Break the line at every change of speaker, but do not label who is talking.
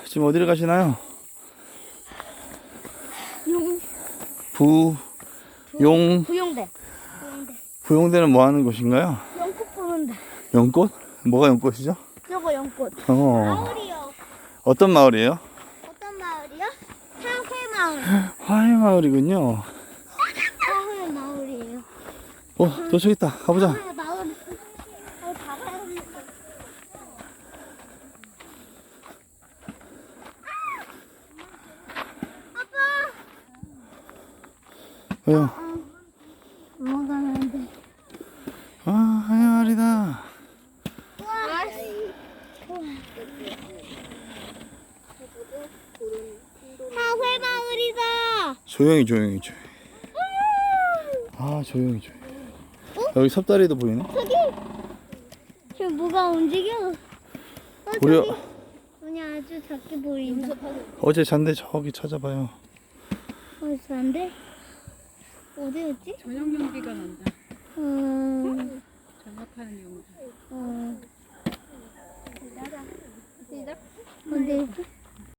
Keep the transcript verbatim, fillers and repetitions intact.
지금 어디를 가시나요?
용.
부, 용,
부용대. 부용대.
부용대는 뭐 하는 곳인가요?
연꽃 보는데.
연꽃? 뭐가 연꽃이죠?
저거 연꽃.
어.
마을이요.
어떤 마을이에요?
어떤 마을이요? 사회 마을.
화해마을이군요.
사회 마을이에요.
어, 도착 있다. 가보자.
사회 마을. 어, 가봐야겠다.
왜요?
넘어가면 안 돼.
아, 화해마을이다.
우와. 사회 마을이다.
조용히, 조용히, 조용히. 아, 조용히, 조용히. 여기 섭다리도 보이네.
저기. 지금 뭐가 움직여? 어,
우리
저기. 눈이 아주 작게 보인다.
어제 잔데 저기 찾아봐요.
어디서 안 돼? 어디였지?
저녁 연기가 난다.
음,
전화하는 연기.
어. 어디였지?